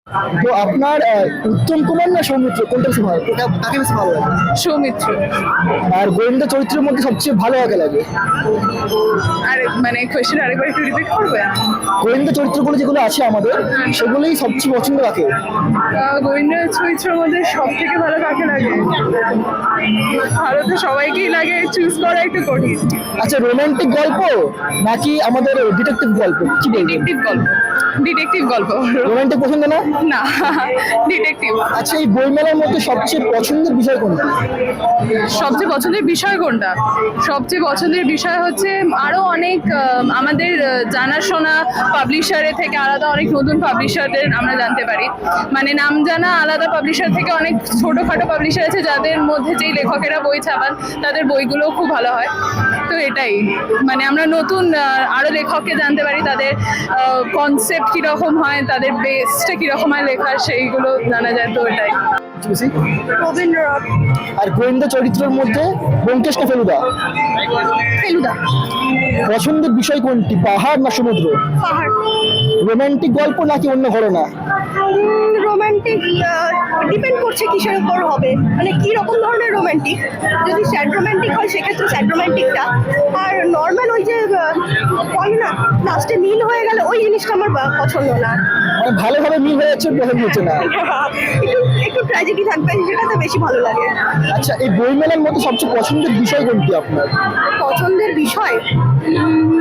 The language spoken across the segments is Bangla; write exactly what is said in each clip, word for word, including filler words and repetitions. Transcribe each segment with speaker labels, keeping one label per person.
Speaker 1: তো আপনার আহ, উত্তম কুমার না সৌমিত্র কোনটা বেশি ভালো কোনটা কাকে বেশি ভালো লাগে?
Speaker 2: সৌমিত্র।
Speaker 1: আর গোয়েন্দা চরিত্রের মধ্যে সবচেয়ে ভালো কাকে লাগে?
Speaker 2: আর মানে কোয়েশ্চেন আরেকবার একটু রিপিট করবে?
Speaker 1: গোয়েন্দা চরিত্রগুলো যেগুলো আছে আমাদের সেগুলোই সবচেয়ে পছন্দ রাখে।
Speaker 2: আহ, গোয়েন্দা চরিত্রের মধ্যে সব থেকে ভালো কাকে লাগে? ভালো তো সবাইকেই লাগে, চুজ করা একটু কঠিন।
Speaker 1: আচ্ছা, রোমান্টিক গল্প নাকি আমাদের ডিটেকটিভ গল্প কি বলবেন?
Speaker 2: ডিটেকটিভ গল্প। ডিটেকটিভ গল্প।
Speaker 1: রোমান্টিক পছন্দ না?
Speaker 2: না, ডিটেকটিভ।
Speaker 1: আচ্ছা, এই বইমেলার মধ্যে সবচেয়ে পছন্দের বিষয় কোনটা?
Speaker 2: সবচেয়ে পছন্দের বিষয় কোনটা? সবচেয়ে পছন্দের বিষয় হচ্ছে আরো অনেক আহ, আমাদের আহ, জানাশোনা পাবলিশারের থেকে আলাদা অনেক নতুন পাবলিশারদের আমরা জানতে পারি। মানে নাম জানা আলাদা পাবলিশার থেকে অনেক ছোটখাটো পাবলিশার আছে যাদের মধ্যে যেই লেখকেরা বই ছাপান তাদের বইগুলো খুব ভালো হয়। তো এটাই মানে আমরা নতুন আহ, আরো লেখককে জানতে পারি, তাদের কনসেপ্ট কিরকম হয়, তাদের বেসটা কিরকম হয় লেখার, সেইগুলো জানা যায়। তো এটাই।
Speaker 1: বেশি?
Speaker 2: রবীন্দ্রনাথ।
Speaker 1: আর গোয়েন্দা চরিত্রের মধ্যে ব্যোমকেশ না ফেলুদা?
Speaker 2: ফেলুদা।
Speaker 1: পছন্দের বিষয় কোনটি, পাহাড় না সমুদ্র?
Speaker 2: পাহাড়।
Speaker 1: রোমান্টিক গল্প নাকি অন্য ঘটনা?
Speaker 3: রোমান্টিক ডিপেন্ড করছে কিসের উপর হবে, মানে কি রকম ধরনের রোমান্টিক। যদি স্যাড রোমান্টিক হয় সেক্ষেত্রে স্যাড রোমান্টিকটা, আর নর্মাল ওই যে আহ, বলে না লাস্টে মিল হয়ে গেলে ওই জিনিসটা আমার বা- পছন্দ না।
Speaker 1: মানে ভালোভাবে মিল হয়ে যাচ্ছে, পছন্দ হচ্ছে না।
Speaker 3: একটু একটু ট্র্যাজেডি থাকবে, সেটাতে বেশি ভালো লাগে।
Speaker 1: আচ্ছা, এই বইমেলার মধ্যে সবচেয়ে পছন্দের বিষয় কোনটি আপনার?
Speaker 3: পছন্দের বিষয় উম,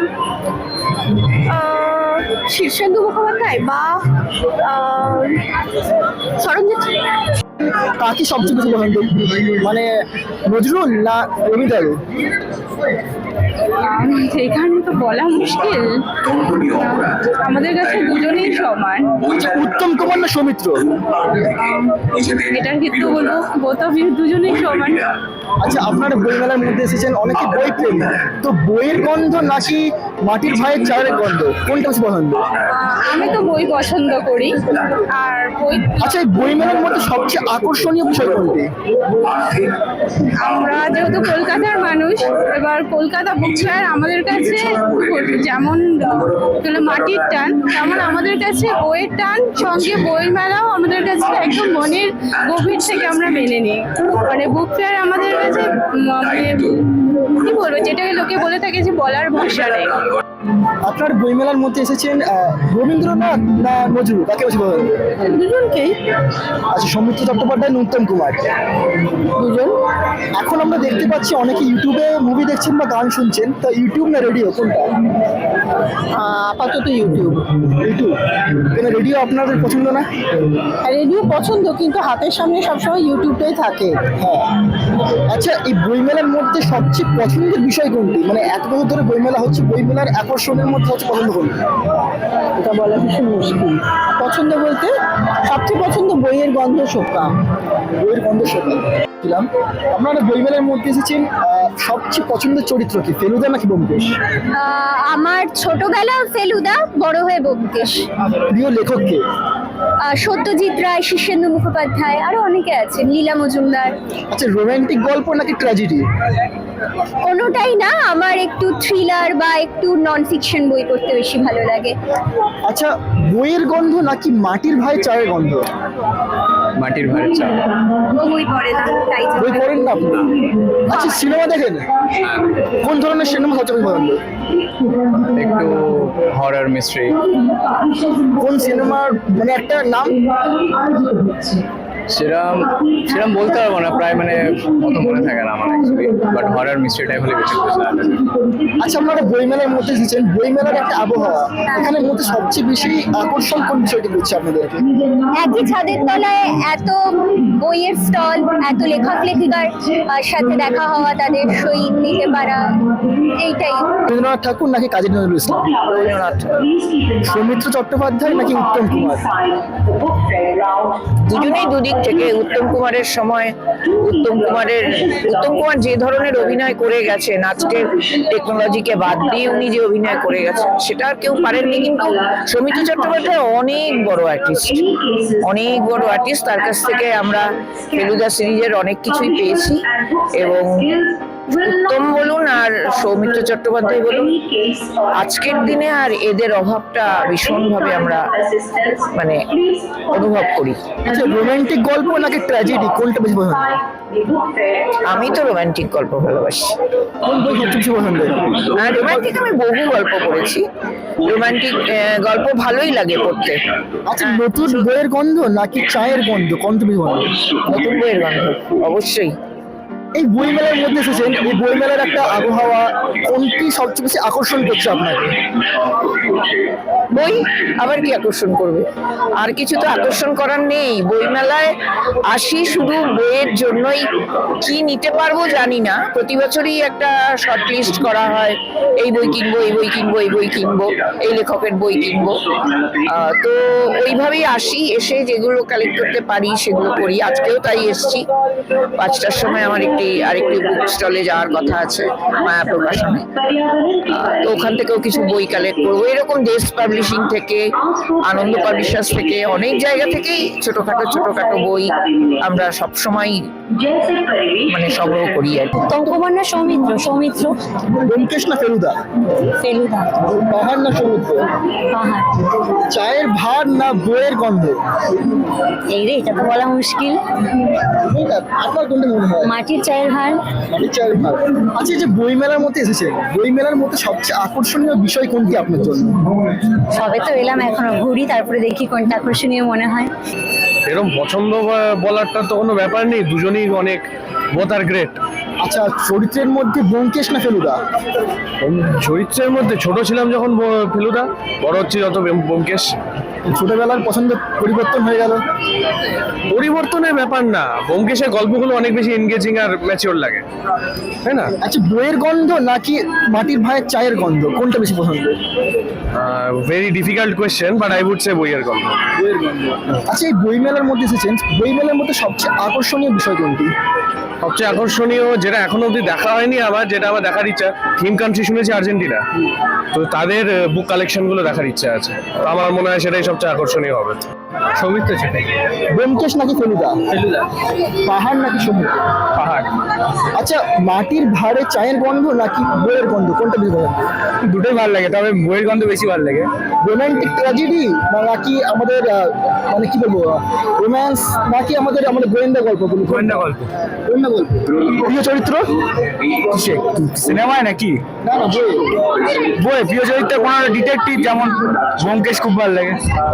Speaker 3: আহ, শীর্ষেন্দু মুখোপাধ্যায় বা আহ, সরঞ্জিৎ।
Speaker 1: কাকে সবচেয়ে বেশি পছন্দ, মানে নজরুল না রবীন্দ্র?
Speaker 2: এখানে তো বলা মুশকিল, আমাদের কাছে দুজনেই সমান।
Speaker 1: আচ্ছা, উত্তম কুমার না সৌমিত্র?
Speaker 2: এটার ক্ষেত্রে বলবো বোথ অফ ইউ, দুজনেই সমান।
Speaker 1: আচ্ছা, আপনারা বইমেলার মধ্যে এসেছেন, অনেকে বই প্রেমী, তো বইয়ের গন্ধ নাকি মাটির ভাইয়ের চায়ের গন্ধ কোনটা বেশি পছন্দ?
Speaker 2: আহ, আমি তো বই পছন্দ করি। আর বই
Speaker 1: আচ্ছা, এই বইমেলার মধ্যে সবচেয়ে আকর্ষণীয় বিষয় কোনটি?
Speaker 2: আমরা যেহেতু কলকাতার মানুষ, এবার কলকাতা বুক ফেয়ার আমাদের কাছে যেমন হলো মাটির টান, তেমন আমাদের কাছে বইয়ের টান, সঙ্গে বই মেলাও আমাদের কাছে একদম মনের গভীর থেকে আমরা মেনে নিই। মানে বুক ফেয়ার আমাদের কাছে উম, মানে কি বলবো, যেটাকে লোকে বলে থাকে যে বলার ভাষা নেই।
Speaker 1: আপনার বইমেলার মধ্যে এসেছেন আহ, রবীন্দ্রনাথ না নজরুল, কাকে বেশি পছন্দ?
Speaker 3: দুজনকেই।
Speaker 1: আচ্ছা, সৌমিত্র চট্টোপাধ্যায় না উত্তম কুমার?
Speaker 3: দুজন।
Speaker 1: এখন আমরা দেখতে পাচ্ছি অনেকে ইউটিউবে মুভি দেখছেন বা গান শুনছেন, তো ইউটিউব না রেডিও কোনটা?
Speaker 3: আপাতত ইউটিউব।
Speaker 1: ইউটিউব। কেন রেডিও আপনাদের পছন্দ না?
Speaker 3: রেডিও পছন্দ, কিন্তু হাতের সামনে সবসময় ইউটিউবটাই থাকে।
Speaker 1: হ্যাঁ। আচ্ছা, এই বইমেলার মধ্যে সবচেয়ে পছন্দের বিষয় কোনটি, মানে এত বছর ধরে বইমেলা হচ্ছে, বইমেলার আকর্ষণের মধ্যে হচ্ছে পছন্দ কোনটি?
Speaker 3: এটা বলা ভীষণ মুশকিল। পছন্দ বলতে সবচেয়ে পছন্দ বইয়ের গন্ধ শোকা।
Speaker 1: বইয়ের গন্ধ শোকা ছিলাম। আপনারা বইমেলার মধ্যে এসেছেন, আহ, সবচেয়ে পছন্দের চরিত্র কি, ফেলুদা নাকি ব্যোমকেশ?
Speaker 4: আহ, আমার ছোটবেলা ফেলুদা, বড় হয়ে ব্যোমকেশ।
Speaker 1: প্রিয় লেখক কে?
Speaker 4: আহ, সত্যজিৎ রায়, শীর্ষেন্দু মুখোপাধ্যায়, আরো অনেকে আছেন, লীলা মজুমদার।
Speaker 1: আচ্ছা, রোমান্টিক গল্প নাকি ট্র্যাজেডি?
Speaker 4: কোনোটাই না, আমার একটু থ্রিলার বা একটু নন ফিকশন বই পড়তে বেশি ভালো লাগে।
Speaker 1: আচ্ছা, বইয়ের গন্ধ নাকি মাটির ভাই চায়ের গন্ধ?
Speaker 5: মাটির ভাড়ের চা।
Speaker 4: বই পড়ে না, তাই জন্য।
Speaker 1: বই পড়েন না আপনি? আচ্ছা, সিনেমা দেখেন? কোন ধরনের সিনেমা সবচেয়ে বেশি পছন্দ?
Speaker 5: একটু হরর মিস্ট্রি।
Speaker 1: কোন সিনেমার মানে একটা নাম?
Speaker 5: সেরম সেরম বলতে পারবো না, প্রায় মানে অত মনে থাকে না আমার actually, but horror mystery type হলে বেশি খুশি লাগে।
Speaker 1: আচ্ছা, আপনারা বইমেলার মধ্যে এসেছেন, বইমেলার একটা আবহাওয়া, এখানের মধ্যে সবচেয়ে বেশি আকর্ষণ কোন বিষয়টি করছে আপনাদেরকে?
Speaker 4: একই ছাদের তলায় এত বইয়ের স্টল, এত লেখক লেখিকার আহ, সাথে দেখা হওয়া, তাদের সই নিতে পারা, এইটাই।
Speaker 1: রবীন্দ্রনাথ ঠাকুর নাকি কাজী নজরুল ইসলাম?
Speaker 3: রবীন্দ্রনাথ।
Speaker 1: সৌমিত্র চট্টোপাধ্যায় নাকি উত্তম কুমার?
Speaker 6: দুজনেই দুদিক থেকে। উত্তম কুমারের সময় উত্তম কুমারের উত্তম কুমার যে ধরনের অভিনয় করে গেছেন, আজকের টেকনোলজিকে বাদ দিয়ে উনি যে অভিনয় করে গেছেন সেটা আর কেউ পারেননি। কিন্তু সৌমিত্র চট্টোপাধ্যায় অনেক বড় আর্টিস্ট, অনেক বড় আর্টিস্ট। তার কাছ থেকে আমরা ফেলুদা সিরিজের অনেক কিছুই পেয়েছি এবং উত্তম বলুন আর সৌমিত্র চট্টোপাধ্যায় বলুন, আজকের দিনে আর এদের অভাবটা ভীষণভাবে আমরা মানে অনুভব করি।
Speaker 1: আচ্ছা, রোমান্টিক গল্প নাকি ট্র্যাজেডি, কোনটা বেশি পছন্দ?
Speaker 6: আমি তো রোমান্টিক গল্প ভালোবাসি।
Speaker 1: কোন বই সবচেয়ে বেশি পছন্দ?
Speaker 6: আর রোমান্টিক আমি বহু গল্প পড়েছি, রোমান্টিক গল্প ভালোই লাগে পড়তে।
Speaker 1: আচ্ছা, নতুন বইয়ের গন্ধ নাকি চায়ের গন্ধ, কোনটা বেশি পছন্দ?
Speaker 6: নতুন বইয়ের গন্ধ অবশ্যই।
Speaker 1: এই বইমেলার মধ্যে এসেছেন, এই বইমেলার একটা আবহাওয়া, কোনটি সবচেয়ে বেশি আকর্ষণ করছে আপনাকে?
Speaker 6: বই আবার কি আকর্ষণ করবে? আর কিছু তো আকর্ষণ করার নেই। বইমেলায় আসি শুধু বইয়ের জন্যই, কি নিতে পারবো জানি না। প্রতি বছরই একটা শর্ট লিস্ট করা হয়, এই বই কিনবো, এই বই কিনবো, এই বই কিনবো, এই লেখকের বই কিনবো। আহ, তো ওইভাবেই আসি, এসে যেগুলো কালেক্ট করতে পারি সেগুলো করি। আজকেও তাই এসছি। পাঁচটার সময় আমার একটি আরেকটি বুক স্টলে যাওয়ার কথা আছে, মায়া প্রকাশনে। আহ, তো ওখান থেকেও কিছু বই কালেক্ট করবো। এরকম দেশ পাবলিশিং থেকে, আনন্দ পাবলিশার্স থেকে, অনেক জায়গা থেকেই ছোটখাটো ছোটখাটো বই আমরা সবসময় মানে সংগ্রহ করি আর কি।
Speaker 4: উত্তম কুমার না সৌমিত্র? সৌমিত্র।
Speaker 1: ব্যোমকেশ না ফেলুদা?
Speaker 4: ফেলুদা।
Speaker 1: পাহাড় না সমুদ্র?
Speaker 4: পাহাড়।
Speaker 1: চায়ের ভার না বইয়ের গন্ধ?
Speaker 4: এই রে, এটা তো বলা মুশকিল।
Speaker 1: আপনার কোনটা মনে হয়?
Speaker 4: মাটির চায়ের ভার।
Speaker 1: মাটির চায়ের ভার। আচ্ছা, এই যে বইমেলার মধ্যে এসেছেন, বইমেলার মধ্যে সবচেয়ে আকর্ষণীয় বিষয় কোনটি আপনার জন্য?
Speaker 4: সবে তো এলাম, এখনো ঘুরি, তারপরে দেখি কোনটা আকর্ষণীয় মনে হয়।
Speaker 7: এরকম পছন্দ বা- বলারটা তো কোনো ব্যাপার নেই, দুজনেই অনেক বোথ আর গ্রেট।
Speaker 1: আচ্ছা, চরিত্রের মধ্যে ব্যোমকেশ না ফেলুদা?
Speaker 7: চরিত্রের মধ্যে ছোট ছিলাম যখন ব- ফেলুদা, বড় হচ্ছে যত ব্যোম- ব্যোমকেশ।
Speaker 1: ছোটবেলার পছন্দ পরিবর্তন হয়ে গেল?
Speaker 7: পরিবর্তনের ব্যাপার না, ব্যোমকেশের গল্পগুলো অনেক বেশি এনগেজিং আর ম্যাচিওর লাগে, তাই না?
Speaker 1: আচ্ছা, বইয়ের গন্ধ নাকি মাটির ভাইয়ের চায়ের গন্ধ, কোনটা বেশি পছন্দ?
Speaker 7: Very difficult question, but I would say বইয়ের গল্প।
Speaker 1: বইয়ের গন্ধ। আচ্ছা, এই বইমেলার মধ্যে এসেছেন, বইমেলার মধ্যে সবচেয়ে আকর্ষণীয় বিষয় কোনটি?
Speaker 7: সবচেয়ে আকর্ষণীয় যেটা এখনো অবধি দেখা হয়নি আমার, যেটা আমার দেখার ইচ্ছা, থিম কান্ট্রি শুনেছি আর্জেন্টিনা, তো তাদের বুক কালেকশনগুলো দেখার ইচ্ছা আছে। তো আমার মনে হয় সেটাই সবচেয়ে আকর্ষণীয় হবে। সৌমিত্র সেটাই।
Speaker 1: ব্যোমকেশ নাকি ফেলুদা?
Speaker 7: ফেলুদা।
Speaker 1: পাহাড় নাকি সমুদ্র?
Speaker 7: পাহাড়।
Speaker 1: আচ্ছা, মাটির ভাড়ে চায়ের গন্ধ নাকি বইয়ের গন্ধ, কোনটা বেশি পছন্দ?
Speaker 7: দুটোই ভালো লাগে, তবে বইয়ের গন্ধ বেশি ভালো লাগে।
Speaker 1: রোমান্টিক ট্র্যাজেডি নাকি আমাদের আহ, মানে কি বলবো, রোম্যান্স নাকি আমাদের আমাদের গোয়েন্দা গল্প?
Speaker 7: গোয়েন্দা গল্প।
Speaker 1: গোয়েন্দা গল্প। প্রিয় চরিত্র
Speaker 7: সিনেমায় নাকি
Speaker 1: না না বই?
Speaker 7: বই? প্রিয় চরিত্র কোনো ডিটেকটিভ, যেমন ব্যোমকেশ খুব ভালো লাগে।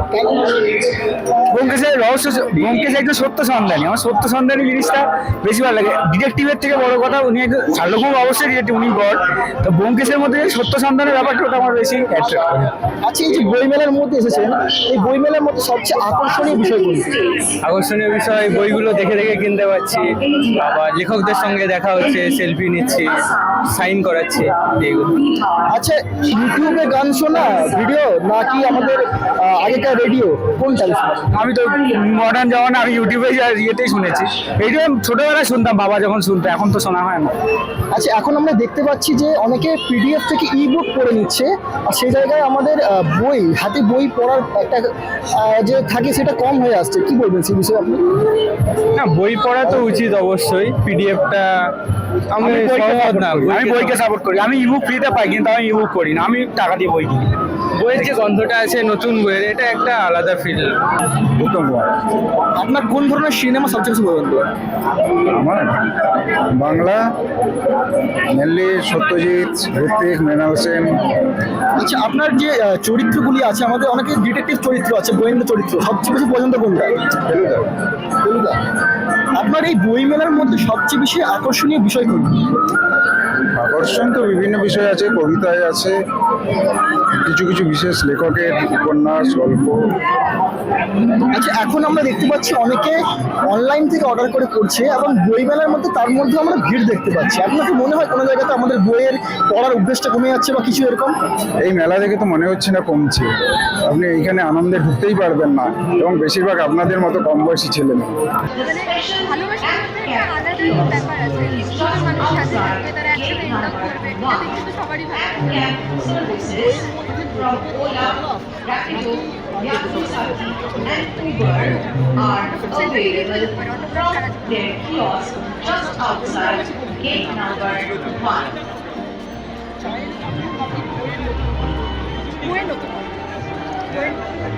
Speaker 7: ব্যোমকেশের রহস্য, ব্যোমকেশ একজন সত্য সন্ধানী, আমার সত্য সন্ধানী জিনিসটা বেশি ভালো লাগে। ডিটেকটিভের থেকে বড় কথা, উনি একজন শার্লক হোমস, অবশ্যই ডিটেকটিভ, উনি গড। তো ব্যোমকেশের মধ্যে যে সত্য সন্ধানের ব্যাপারটা, ওটা আমার বেশি অ্যাট্রাক্ট করে।
Speaker 1: আচ্ছা, এই যে বইমেলার মধ্যে এসেছেন, এই বইমেলার মধ্যে সবচেয়ে আকর্ষণীয় বিষয় কোনটি?
Speaker 5: আকর্ষণীয় বিষয় বইগুলো দেখে দেখে কিনতে পারছি, আবার লেখকদের সঙ্গে দেখা হচ্ছে, সেলফি নিচ্ছি, সাইন করাচ্ছি, এইগুলো।
Speaker 1: আচ্ছা, ইউটিউবে গান শোনা ভিডিও নাকি আমাদের আহ, আগেকার রেডিও, কোনটা বেশি?
Speaker 5: আমি তো মডার্ন জমানা, আমি ইউটিউবে যা- ইয়েতেই শুনেছি। রেডিও ছোটবেলায় শুনতাম, বাবা যখন শুনতো, এখন তো শোনা হয় না।
Speaker 1: আচ্ছা, এখন আমরা দেখতে পাচ্ছি যে অনেকে পিডিএফ থেকে ই বুক পড়ে নিচ্ছে, আর সেই জায়গায় আমাদের আহ, বই, হাতে বই পড়ার একটা আহ, যে থাকে সেটা কম হয়ে আসছে, কি বলবেন সেই বিষয়ে আপনি?
Speaker 5: না, বই পড়া তো উচিত অবশ্যই, পিডিএফটা আমি সহমত না।
Speaker 7: আমি বইকে সাপোর্ট করি। আমি ইবুক ফ্রিতে পাই, কিন্তু আমি ইবুক করি না, আমি টাকা দিয়ে বই কিনি।
Speaker 5: বইয়ের যে গন্ধটা আছে নতুন বইয়ের, এটা একটা আলাদা ফিল।
Speaker 7: উত্তম কুমার।
Speaker 1: আপনার কোন ধরনের সিনেমা সবচেয়ে বেশি পছন্দ?
Speaker 8: আমার বাংলা মেনলি সত্যজিৎ, ঋত্বিক, মৃণাল সেন।
Speaker 1: আচ্ছা, আপনার যে আহ, চরিত্রগুলি আছে, আমাদের অনেকে ডিটেকটিভ চরিত্র আছে, গোয়েন্দা চরিত্র, সবচেয়ে বেশি পছন্দ কোনটা?
Speaker 8: ফেলুদা।
Speaker 1: ফেলুদা। আপনার এই বইমেলার মধ্যে সবচেয়ে বেশি আকর্ষণীয় বিষয় কোনটি?
Speaker 8: আকর্ষণ তো বিভিন্ন বিষয় আছে, কবিতায় আছে, কিছু কিছু বিশেষ লেখকের উপন্যাস, গল্প।
Speaker 1: আচ্ছা, এখন আমরা দেখতে পাচ্ছি অনেকে অনলাইন থেকে অর্ডার করে করছে, এবং বইমেলার মধ্যে তার মধ্যে আমরা ভিড় দেখতে পাচ্ছি। আপনার কি মনে হয় কোনো জায়গাতে আমাদের বইয়ের পড়ার অভ্যেসটা কমে যাচ্ছে বা কিছু এরকম?
Speaker 8: এই মেলা দেখে তো মনে হচ্ছে না কমছে। আপনি এইখানে আনন্দে ঢুকতেই পারবেন না, এবং বেশিরভাগ আপনাদের মতো কম বয়সী ছেলে মেয়ে।
Speaker 9: ভালোবাসার মধ্যে একটা আলাদা ব্যাপার আছে, সব মানুষ সাথে থাকবে, তারা একসাথে এনজয় করবে, এটা দেখতে তো সবারই ভালো লাগে। are available from their kiosk just outside gate number one.
Speaker 2: বইয়ের নতুন বইয়ের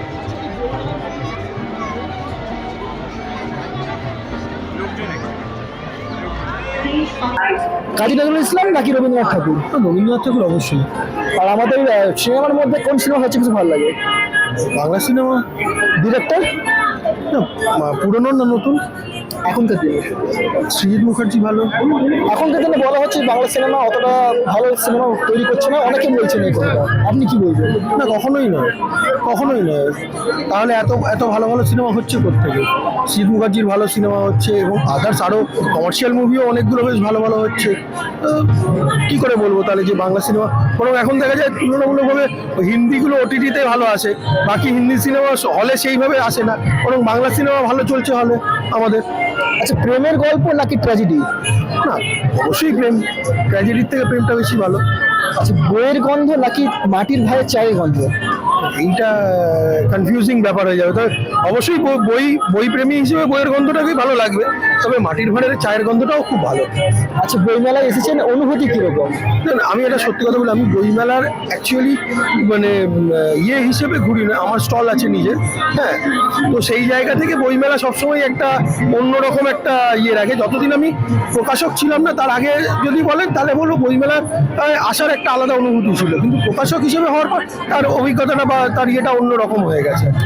Speaker 1: কাজী নজরুল ইসলাম নাকি রবীন্দ্রনাথ ঠাকুর? রবীন্দ্রনাথ ঠাকুর অবশ্যই। আর আমাদের সিনেমার মধ্যে কোন সিনেমা হচ্ছে কিছু ভালো লাগে? বাংলা সিনেমা। ডিরেক্টর পুরনো না নতুন? এখনকার দিনে সৃজিত মুখার্জি ভালো। এখনকার দিনে বলা হচ্ছে বাংলা সিনেমা অতটা ভালো সিনেমা তৈরি করছে না, অনেকে বলছেন এই কথাটা, আপনি কি বলবেন? না, কখনোই নয়, কখনোই নয়। তাহলে এত এত ভালো ভালো সিনেমা হচ্ছে কোত্থেকে? সৃজিত মুখার্জির ভালো সিনেমা হচ্ছে এবং আদার্স আরও কমার্শিয়াল মুভিও অনেকগুলো বেশ ভালো ভালো হচ্ছে। কি করে বলবো তাহলে যে বাংলা সিনেমা? বরং এখন দেখা যায় তুলনামূলকভাবে হিন্দিগুলো ওটিটিতে ভালো আসে, বাকি হিন্দি সিনেমা হলে সেইভাবে আসে না, বরং বাংলা সিনেমা ভালো চলছে হলে আমাদের। আচ্ছা, প্রেমের গল্প নাকি ট্র্যাজেডি? না, অবশ্যই প্রেম। ট্র্যাজেডির থেকে প্রেমটা বেশি ভালো। আচ্ছা, বইয়ের গন্ধ নাকি মাটির ভাইয়ের চায়ের গন্ধ? এইটা কনফিউজিং ব্যাপার হয়ে যাবে। তবে অবশ্যই বই বই প্রেমী হিসেবে বইয়ের গন্ধটাকেই ভালো লাগবে, তবে মাটির ভাঁড়ের চায়ের গন্ধটাও খুব ভালো। আচ্ছা, বইমেলায় এসেছেন, অনুভূতি কীরকম? আমি এটা সত্যি কথা বলি, আমি বইমেলার অ্যাকচুয়ালি মানে ইয়ে হিসেবে ঘুরি না, আমার স্টল আছে নিজের। হ্যাঁ, তো সেই জায়গা থেকে বইমেলা সবসময় একটা অন্যরকম একটা ইয়ে রাখে। যতদিন আমি প্রকাশক ছিলাম না তার আগে যদি বলেন তাহলে বলবো বইমেলার আসার একটা আলাদা অনুভূতি ছিল, কিন্তু প্রকাশক হিসেবে হওয়ার পর তার অভিজ্ঞতাটা বা তার ইয়েটা অন্যরকম হয়ে গেছে।